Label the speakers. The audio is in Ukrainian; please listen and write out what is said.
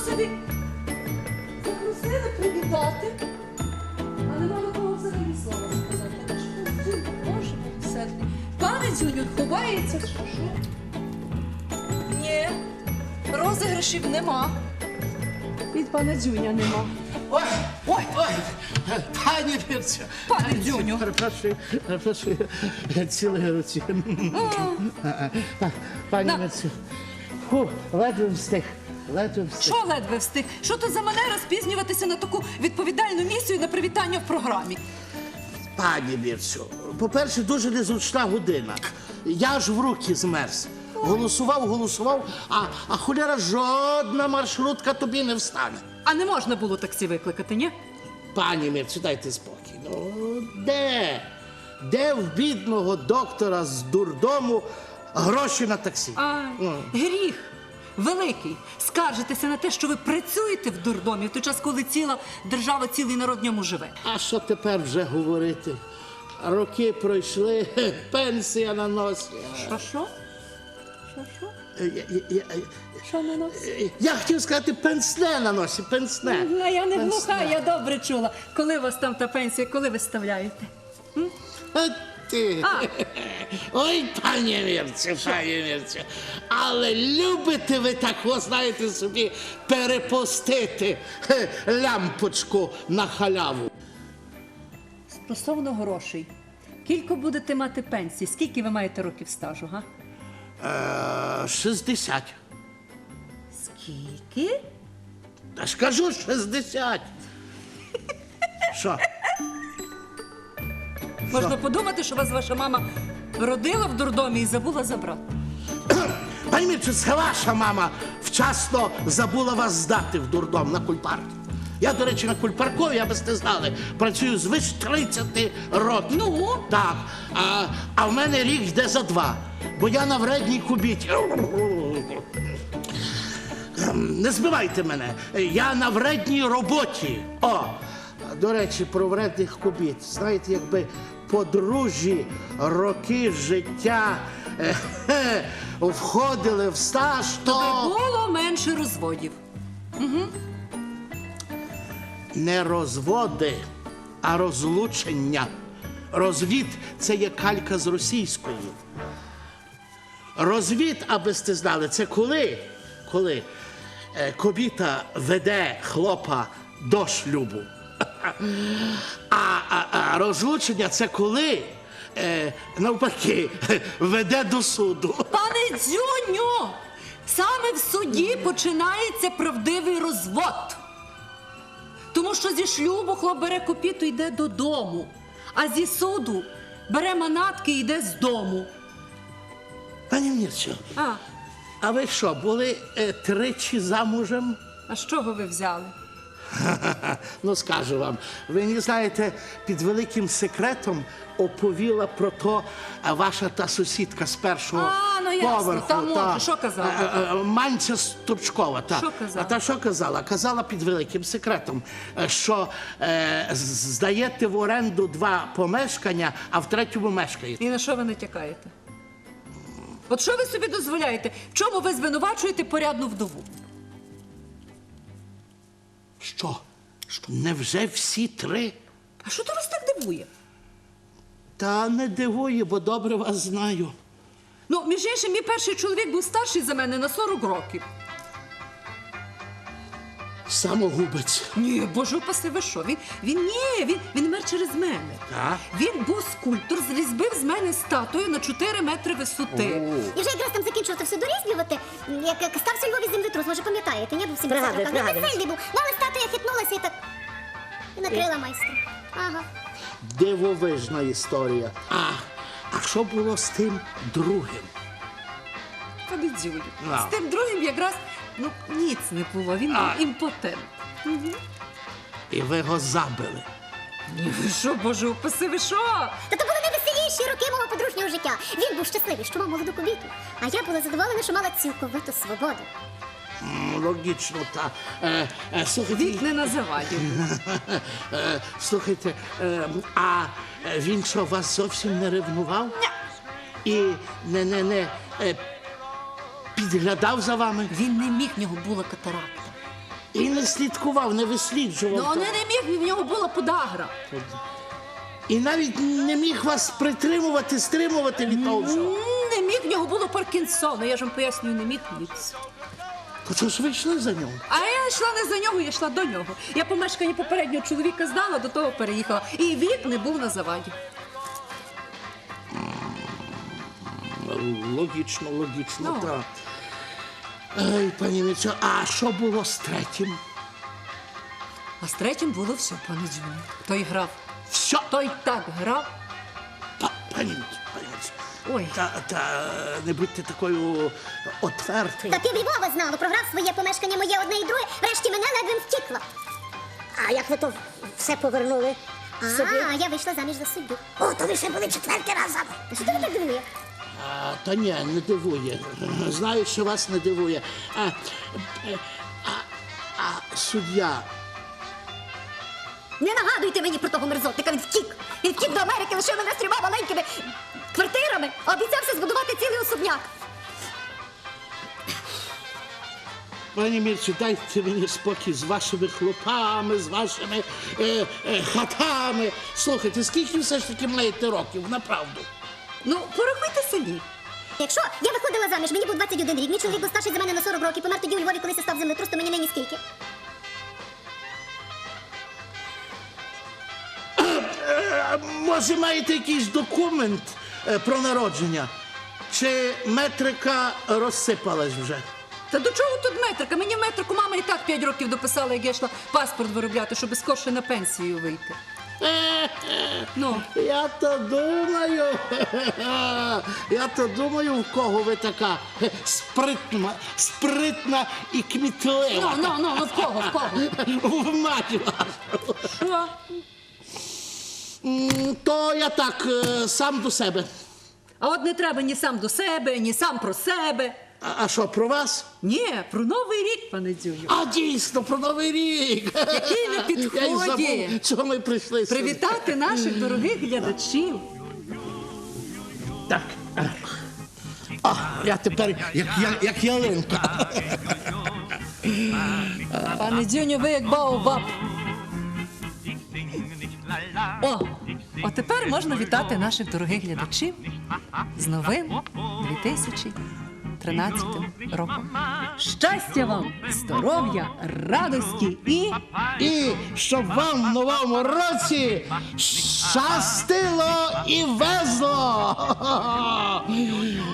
Speaker 1: собі запросили привітати, а нема на кого взагалі слова сказати. Та ж Дзюню, Боже милосердний. Пане Дзюню, ховається, чи що? Ні, розіграшів нема. Від пана Дзюня нема.
Speaker 2: Ой, ой, ой, пані Вірцю.
Speaker 1: Пане Дзюню.
Speaker 2: Перепрошую, цілої руці. Пані Вірцю, ледве встиг, ледве встиг.
Speaker 1: Що ледве встиг? Що то за манера спізнюватися на таку відповідальну місію на привітання в програмі?
Speaker 2: Пані Вірцю, по-перше, дуже незручна година. Я ж в руки змерз. Голосував, а хуляра жодна маршрутка тобі не встане.
Speaker 1: А не можна було таксі викликати, ні?
Speaker 2: Пані Мірцю, дайте спокій. Ну, де? Де в бідного доктора з дурдому гроші на таксі?
Speaker 1: Гріх великий. Скаржитеся на те, що ви працюєте в дурдомі в той час, коли ціла держава, цілий народ в ньому живе.
Speaker 2: А що тепер вже говорити? Роки пройшли, пенсія на носі.
Speaker 1: Що? Що на нас?
Speaker 2: Я хотів сказати пенсне на носі, пенсне.
Speaker 1: А я не
Speaker 2: Пенсне.
Speaker 1: глуха, я добре чула. Коли у вас там та пенсія, коли ви ставляєте?
Speaker 2: А ти. Ой, пані Мірцю, але любите ви так, ви знаєте собі, перепустити лямпочку на халяву.
Speaker 1: Стосовно грошей. Кілько будете мати пенсії? Скільки ви маєте років стажу, га?
Speaker 2: 60.
Speaker 1: Скільки?
Speaker 2: Та ж кажу, 60. Що?
Speaker 1: Можна подумати, що вас ваша мама родила в дурдомі і забула забрати.
Speaker 2: Пані Мірцю, це ваша мама вчасно забула вас здати в дурдом на кульпарк. Я, до речі, на кульпаркові, аби сте знали, працюю звич 30 років.
Speaker 1: Ну?
Speaker 2: Так. А в мене рік йде за 2, бо я на вредній кубіті. Не збивайте мене, я на вредній роботі. О, до речі, про вредних кубіт. Знаєте, якби подружжі роки життя входили в стаж, то...
Speaker 1: Було менше розводів.
Speaker 2: Не розводи, а розлучення. Розвід – це є калька з російської. Розвід, аби сте знали, це коли кобіта веде хлопа до шлюбу. А розлучення – це коли, навпаки, веде до суду.
Speaker 1: Пане Дзюню, саме в суді починається правдивий розвод. Тому що зі шлюбу хлоп бере копіту і йде додому, а зі суду бере манатки і йде з дому.
Speaker 2: Пані Мірцю, а ви що, були тричі замужем?
Speaker 1: А з чого ви взяли?
Speaker 2: Ну, скажу вам, ви не знаєте, під великим секретом оповіла про то ваша та сусідка з першого
Speaker 1: ну, ясно,
Speaker 2: поверху.
Speaker 1: та може, що казала?
Speaker 2: Манця Ступчкова.
Speaker 1: Що казала?
Speaker 2: А та що казала? Казала під великим секретом, що здаєте в оренду 2 помешкання, а в 3-му мешкаєте.
Speaker 1: І на що ви натякаєте? От що ви собі дозволяєте? В чому ви звинувачуєте порядну вдову?
Speaker 2: Що? Невже всі 3?
Speaker 1: А що то вас так дивує?
Speaker 2: Та не дивує, бо добре вас знаю.
Speaker 1: Ну, між іншим, мій перший чоловік був старший за мене на 40 років.
Speaker 2: Самогубець.
Speaker 1: Ні, боже упаси, ви що? Він мер через мене.
Speaker 2: Так?
Speaker 1: Він був скульптор, зрізбив з мене статую на 4 метри висоти.
Speaker 3: І вже якраз там закінчував все дорізблювати, як стався у Львові землетрус, може пам'ятаєте, не був 70 років. Він сильний був, але статуя хитнулася і так і накрила майстра. Ага.
Speaker 2: Дивовижна історія. А що було з тим другим?
Speaker 1: Пане Дзюню,
Speaker 2: Ну.
Speaker 1: з тим другим якраз, ніц не було, він був імпотент.
Speaker 2: І ви його забили.
Speaker 1: Ні, ви що, боже упаси, ви що?
Speaker 3: Та то були найвеселіші роки мого подружнього життя. Він був щасливий, що мав молоду кобіту, а я була задоволена, що мала цілковиту свободу.
Speaker 2: Логічно, та. Слухайте,
Speaker 1: Вік не називає.
Speaker 2: слухайте, а він що, вас зовсім не ревнував? І не підглядав за вами?
Speaker 1: Він не міг, в нього була катаракта.
Speaker 2: І не слідкував, не висліджував.
Speaker 1: Ну, не міг, в нього була подагра.
Speaker 2: І навіть не міг вас притримувати, стримувати від того всього.
Speaker 1: Не міг, в нього було Паркінсона, я ж вам пояснюю, не міг ніц.
Speaker 2: То чого ж ви йшли за нього?
Speaker 1: А я йшла не за нього, я йшла до нього. Я помешкання попереднього чоловіка знала, до того переїхала. І вік не був на заваді.
Speaker 2: Логічно,
Speaker 1: Ну.
Speaker 2: так. Ой, пані Міцю, а що було з третім?
Speaker 1: А з третім було все, пане Дзюню. Той грав.
Speaker 2: Все,
Speaker 1: Той так грав.
Speaker 2: пані Міцю.
Speaker 1: Ой.
Speaker 2: Та не будьте такою отвертою.
Speaker 3: Та півльвова знало, програв своє помешкання моє одне і друге, врешті мене ледве втікла.
Speaker 4: А як ви то все повернули собі?
Speaker 3: А, я вийшла заміж за суддю.
Speaker 4: О, то ви ще були четвертий раз замуж.
Speaker 3: Та що тебе так дивує?
Speaker 2: Та ні, не дивує. Знаю, що вас не дивує. А суддя.
Speaker 3: Не нагадуйте мені про того мерзотника, він втік. Він втік до Америки, лишив мене з 3 маленькими квартирами, обіцявся збудувати цілий особняк.
Speaker 2: Пані Мірцю, дайте мені спокій з вашими хлопами, з вашими хатами. Слухайте, скільки все ж таки маєте років, направду?
Speaker 1: Ну, порахуйте самі.
Speaker 3: Якщо я виходила заміж, мені був 21 рік, мій чоловік був старший за мене на 40 років, помер тоді у Львові, коли став землетрус, то мені нині скільки?
Speaker 2: Може, маєте якийсь документ про народження? Чи метрика розсипалась вже?
Speaker 1: Та до чого тут метрика? Мені в метрику мама і так 5 років дописала, як я йшла паспорт виробляти, щоб скорше на пенсію вийти. Ну,
Speaker 2: Я то думаю, в кого ви така спритна і кмітлива.
Speaker 1: в кого?
Speaker 2: В маті вашу.
Speaker 1: Що?
Speaker 2: То я так, сам до себе.
Speaker 1: А от не треба ні сам до себе, ні сам про себе.
Speaker 2: А що, про вас?
Speaker 1: Ні, про Новий рік, пане Дзюню.
Speaker 2: А дійсно, про Новий рік.
Speaker 1: Який ви
Speaker 2: Я й
Speaker 1: підході.
Speaker 2: забув, чого ми прийшли сюди.
Speaker 1: Привітати наших дорогих глядачів.
Speaker 2: Так. Я тепер як ялинка.
Speaker 1: Пане Дзюню, ви як Баобаб. О, тепер можна вітати наших дорогих глядачів з новим 2013 роком. Щастя вам, здоров'я, радості
Speaker 2: І щоб вам в новому році щастило і везло.